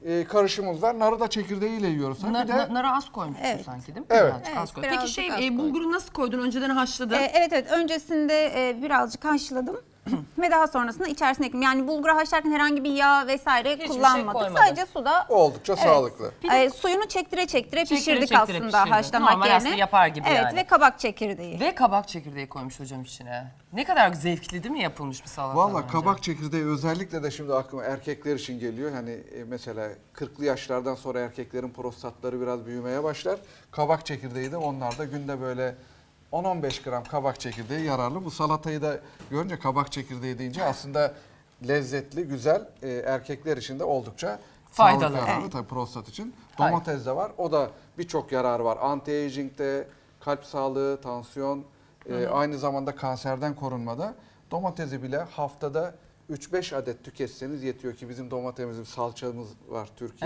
karışımımız var. Narı da çekirdeğiyle yiyoruz. Narı az koymuşsun sanki değil mi? Evet. Az koy. Birazcık Peki az koydum. bulguru nasıl koydun? Önceden haşladın. Evet, öncesinde birazcık haşladım. Ve daha sonrasında içerisine ekledim. Yani bulguru haşlarken herhangi bir yağ vesaire Hiçbir şey kullanmadık. koymadın. Sadece suda Oldukça sağlıklı. suyunu çektire pişirdik çektire aslında pişirdin. haşlamak Normal yerine. aslında yapar gibi evet, yani. ve kabak çekirdeği. Ve kabak çekirdeği koymuş hocam içine. Ne kadar zevkli değil mi yapılmış bir salata? Valla bence? kabak çekirdeği özellikle de şimdi aklıma erkekler için geliyor. Hani mesela 40'lı yaşlardan sonra erkeklerin prostatları biraz büyümeye başlar. Kabak çekirdeği de onlarda günde böyle 10-15 gram kabak çekirdeği yararlı. Bu salatayı da görünce kabak çekirdeği deyince aslında lezzetli, güzel, erkekler için de oldukça Faydalı. sağlıklı yararlı tabii prostat için. Domates de var. O da birçok yararı var. Anti-aging'de, kalp sağlığı, tansiyon, aynı zamanda kanserden korunmada. Domatesi bile haftada 3-5 adet tüketseniz yetiyor ki bizim domatesimizin salçamız var Türkiye.